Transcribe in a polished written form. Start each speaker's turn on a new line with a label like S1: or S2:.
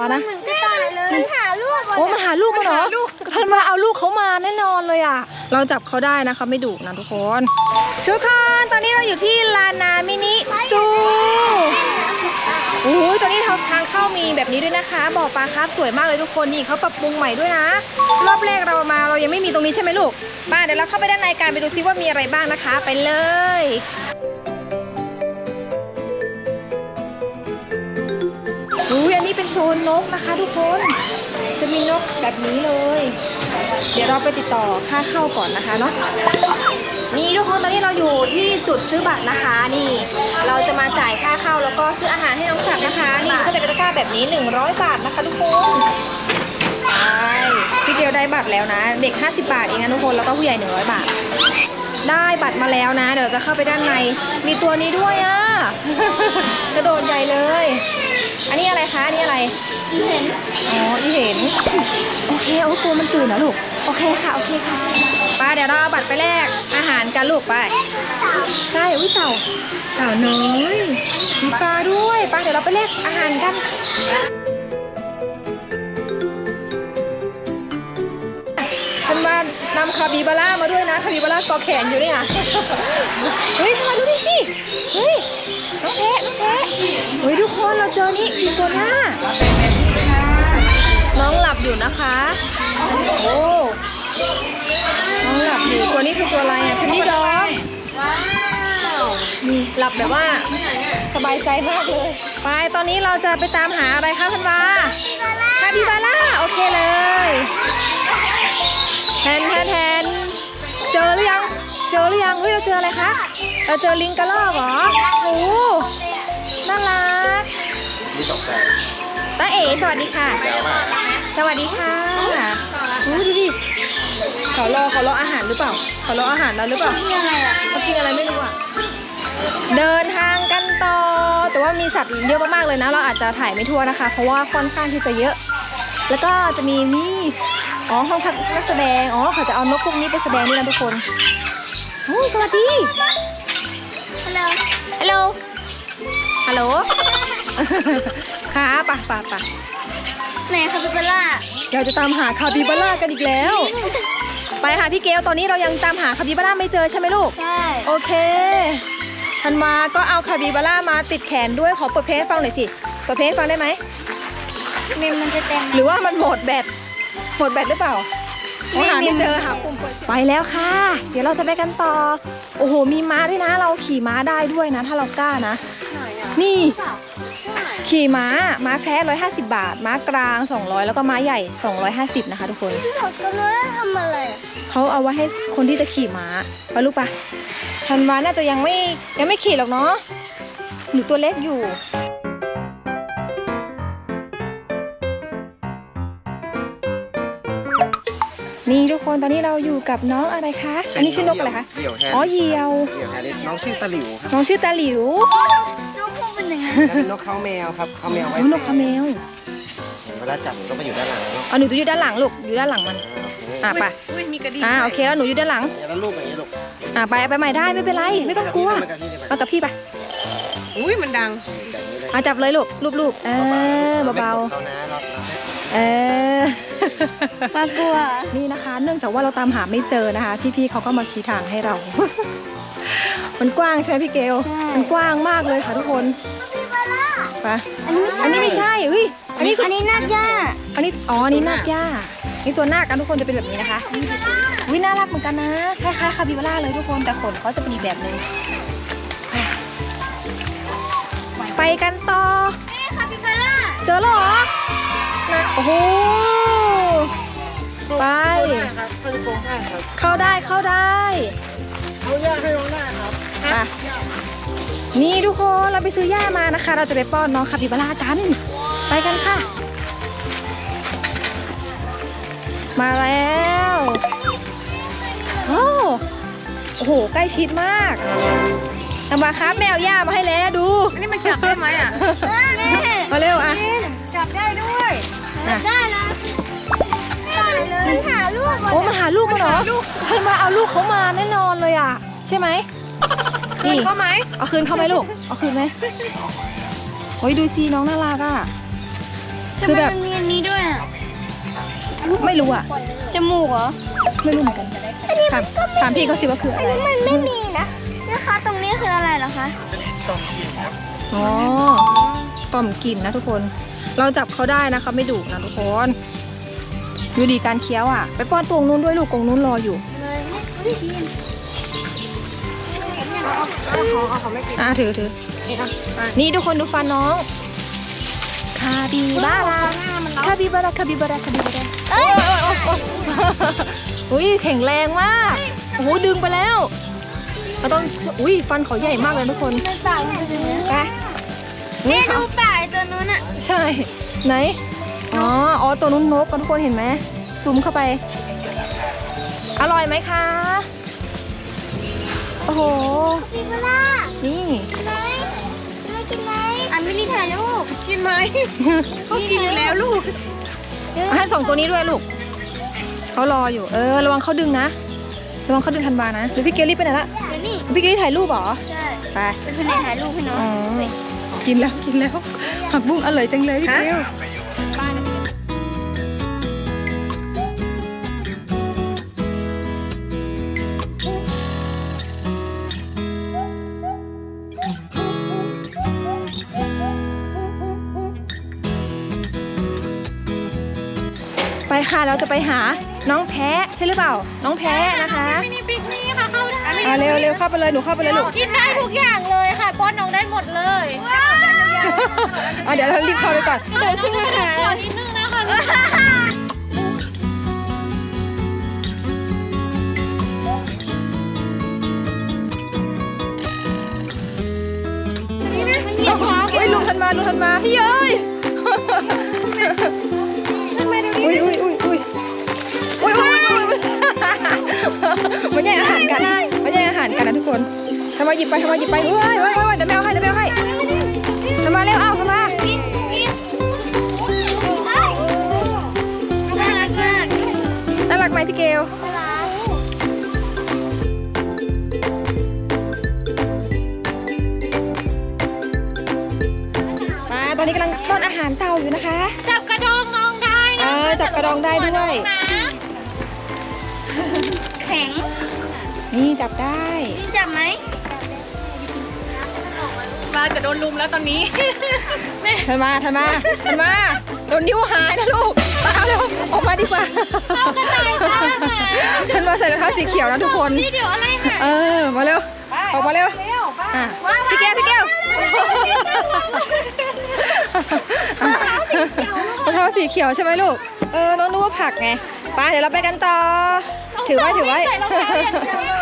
S1: นะ
S2: กระต่ายเลยมันหาลูก
S1: โอ้มันหาลูกมาเหรอท่านมาเอาลูกเขามาแน่นอนเลยอ่ะเราจับเขาได้นะคะไม่ดุนะทุกคนตอนนี้เราอยู่ที่ลานนามินิซูโอ้ยตอนนี้ทางเข้ามีแบบนี้ด้วยนะคะบ่อปลาคาร์ฟสวยมากเลยทุกคนนี่เขาปรับปรุงใหม่ด้วยนะรอบแรกเรายังไม่มีตรงนี้ใช่ไหมลูกป้าเดี๋ยวเราเข้าไปด้านในกันไปดูซิว่ามีอะไรบ้างนะคะไปเลยอันนี้เป็นโซนนกนะคะทุกคนจะมีนกแบบนี้เลยเดี๋ยวเราไปติดต่อค่าเข้าก่อนนะคะเนาะนี่ทุกคนตอนนี้เราอยู่ที่จุดซื้อบัตรนะคะนี่เราจะมาจ่ายค่าเข้าแล้วก็ซื้ออาหารให้น้องสัตว์นะคะนี่ก็จะเป็นตะกร้าแบบนี้100 บาทนะคะทุกคนพี่เกียวได้บัตรแล้วนะเด็ก50 บาทเองนะทุกคนแล้วก็ผู้ใหญ่100 บาทได้บัตรมาแล้วนะเดี๋ยวจะเข้าไปด้านในมีตัวนี้ด้วยอ่ะ กระโดดใหญ่เลยอันนี้อะไรคะอันนี้อะไรอีเห็นอ๋ออีเห็นโอเคโอ้ตัวมันตื่นนะลูกโอเคค่ะโอเคค่ะป้าเดี๋ยวเราเอาบัตรไปแลกอาหารกันลูกไปใช่อุ้ยเต่าน้อยมีปลาด้วยป้าเดี๋ยวเราไปแลกอาหารกันฉันมานำคาบิบาร่ามาด้วยนะคาบิบาร่าเกาะแขนอยู่ด้วยอ่ะเฮ้ยมาดูดิสิเฮ้ยน้องแพะเฮ้ยทุกคนเราเจอนี่อยู่ตัวหน้าน้องหลับอยู่นะคะโอ้น้องหลับอยู่ตัวนี้คือตัวอะไรอ่ะคือนี่ดองนี่หลับแบบว่าสบายใจมากเลยไปตอนนี้เราจะไปตามหาอะไรคะพันวาคาบิบาร่าโอเคเลยแทนเจอหรือยังเฮ้ยเราเจออะไรคะเราเจอลิงกระรอกเหรอโอ้น่ารักตาเอ๋สวัสดีค่ะสวัสดีค่ะดูดิเขารออาหารหรือเปล่าเขารออาหารเราหรือเปล่าเขากินอะไรไม่รู้อ่ะเดินทางกันต่อแต่ว่ามีสัตว์เยอะมากๆเลยนะเราอาจจะถ่ายไม่ทั่วนะคะเพราะว่าค่อนข้างที่จะเยอะแล้วก็จะมีห้องพักนักแสดงเขาจะเอานกพวกนี้ไปแสดงด้วยนะทุกคนโอ้สวัสดีฮัลโหลค่ะป่ะ
S2: ไหนคาปิบาร่า
S1: เราจะตามหาคาปิบาร่ากันอีกแล้วไปค่ะพี่เกลตอนนี้เรายังตามหาคาปิบาร่าไม่เจอใช่ไหมลูก
S2: ใช่
S1: โอเคธันวาก็เอาคาปิบาร่ามาติดแขนด้วยขอเปิดเพลงฟังหน่อยสิเปิดเพลงฟังได้ไหม
S2: มันจะเต็ม
S1: หรือว่ามันหมดแบตหรือเปล่าหาไม่เจอหาปุ่มเปิดไปแล้วค่ะเดี๋ยวเราจะไปกันต่อโอ้โหมีม้าด้วยนะเราขี่ม้าได้ด้วยนะถ้าเรากล้านะนี่ขี่ม้าแคระ150 บาทม้ากลาง200แล้วก็ม้าใหญ่250นะคะทุกคน
S2: ก็ไม่ได้ทำอะไร
S1: เขาเอาไว้ให้คนที่จะขี่ม้าไปลูกปะธันวาน่าจะยังไม่ขี่หรอกเนาะหนูตัวเล็กอยู่นี่ทุกคนตอนนี้เราอยู่กับน้องอะไรคะอันนี้ชื่อนกอะไรคะเหยี่ยว
S3: น้องชื่อตะหลิวครับ
S1: น้องชื่อตาหลิวน
S2: กพวกเป็นยังไง
S3: นกเขาแมวครับเขาแมวไว้
S1: นกเขาแมว
S3: เวลาจับก็มาอยู่ด้านหลัง
S1: หนูจะอยู่ด้านหลังลูกอยู่ด้านหลังมันไป
S4: มีกระดิ่ง
S1: โอเคแล้วหนูอยู่ด้านหลัง
S3: แล้วลูกอย่างนี้ลูก
S1: ไปใหม่ได้ไม่เป็นไรไม่ต้องกลัวเอากับพี่ไป
S4: มันดัง
S1: จับเลยลูกรูปเบาๆ
S2: มากลัว
S1: นี่นะคะเนื่องจากว่าเราตามหาไม่เจอนะคะพี่ๆเขาก็มาชี้ทางให้เรา มันกว้างใช่ไหมพี่เกลมันกว้างมากเลยค่ะทุกคนไปอันนี้ไม่ใช่อันนี้
S2: นาคย่า
S1: อันนี้นาคย่านี่ตัวนาคกันทุกคนจะเป็นแบบนี้นะคะน่ารักเหมือนกันนะคล้ายๆคาปิบาร่าเลยทุกคนแต่ขนเขาจะเป็นอีกแบบนึงไปกันต่อ
S2: คาปิบาร่า
S1: เจอหรอโอ้โหไปเข้าได้
S3: เขาย่าให้น้องได้ครับ
S1: นี่ทุกคนเราไปซื้อย่ามานะคะเราจะไปป้อนน้องคาปิบาร่ากันไปกันค่ะมาแล้วโอ้โหใกล้ชิดมากทำมาครับแมวย่ามาให้แล้วดู
S4: อันนี้มันจับได้ไหมอ่ะ
S1: มาเร็วอ่ะ
S4: จับได้ด้วย
S2: ได้นะมันหาลูก
S1: มันหาลูกมาเหรอท่านมาเอาลูกเขามาแน่นอนเลยอ่ะใช่ไหม
S4: คืนเขาไหม
S1: เอาคืนเขาไหมลูกเอาคืนไหมโอ้ยดูสิน้องน่ารักอ่ะคือแบบ
S2: มันมีอันนี้ด้วยอะ
S1: ไม่รู้อ่ะ
S2: จมูกเหรอ
S1: ไม่รู้เหมือนกันถามพี่เขาสิว่าคืออะไร
S2: มันไม่มีนะนะคะตรงนี้คืออะไรเหรอคะ
S1: อ๋อต่อมกลิ่นนะทุกคน เราจับเขาได้นะเขาไม่ดุนะทุกคนดูดีการเคี้ยวอ่ะ ไปป้อนตรงนู้นด้วยลูกกรงนู้นรออยู่
S2: เลยไม่ดี
S4: เขาไม่กิน
S1: ถือ
S4: นี่นะไป
S1: นี่ทุกคนดูฟันน้อง คาบิบาร่าคาบิบาร่าคาบิบาร่าคาบิบาร่าอุ้ยแข็งแรงมากโอ้โหดึงไปแล้วเราต้องอุ้ยฟันเขาใหญ่มากเลยทุกคน
S2: มันปากมันเป็นอย่างนี้
S1: ไป
S2: แม่
S1: นี่
S2: ดู
S1: ค่ะ
S2: ปากไอ้ตัวนู้นอ่ะ
S1: ใช่ ไหนอ๋อตัวนู้นนกกันทุกคนเห็นไหมซูมเข้าไป อร่อยไหมคะโอ้โห
S2: ปิบล่า
S1: นี่
S2: กินไหมไม่กินไหมอ่ะไม่ได้ถ่ายรูป
S4: กินไหมเขากินอยู่แล้วลูก
S1: ให้สองตัวนี้ด้วยลูกเขารออยู่ระวังเขาดึงนะระวังเขาดึงทันบานะหรือพี่เกลลี่ไปไหนละ
S2: เดี๋ยวนี่
S1: พี่เกลลี่ถ่ายรูปเหรอ
S2: ใช่
S1: ไป
S2: เป็นคนไหนถ่ายรูปให้น้อง
S1: อ๋อกินแล้วผักบุ้งอร่อยจังเลยพี่เกลไปค่ะเราจะไปหาน้องแพ้ใช่หรือเปล่า น้องแพ้นะคะ
S4: มินิปิกนี่ค่ะเข้าได้
S1: เร็วเข้าไปเลยหนูเข้าไปเลยลูก
S2: กินได้ทุกอย่างเลยค่ะป้อนน้องได้หมดเลย
S1: เดี๋ยวเรารีบเข้าไปก่อน
S2: เดี๋ยวขึ้นมาหา
S4: นิดนึงนะคะ
S1: เฮ้ยลุงทันมาพี่เอ้ยอุ้ยมันแย่งอาหารกันนะทุกคนทำมาหยิบไปเฮ้ยเดี๋ยวแมวให้ทำมาเร็วทำมา
S2: น่ารักมาก
S1: น่ารักไหมพี่เกลตอนนี้กำลังป้อนอาหารเต่าอยู่นะคะ
S2: จับกระดองน้องได้นะ
S1: จับกระดองได้ด้วย
S2: แข็ง
S1: นี่จับได้
S2: จริงจับไหม
S4: มาจะโดนลุมแล้วตอนนี้
S1: ทันมาโดนนิ้วหายนะลูกเอาเร็วออกมาดีกว่าทันมาใส่รองเท้าสีเขียวนะทุกคน
S2: นี่เดี๋ยวอะไรค่ะ
S1: มาเร็วออกมาเร็วพี่แก้วรองเท้าสีเขียวใช่ไหมลูกน้องนึกว่าผักไงไปเดี๋ยวเราไปกันต่อถือไว้
S2: ใส่รองเท้าอย่างเดียวเลย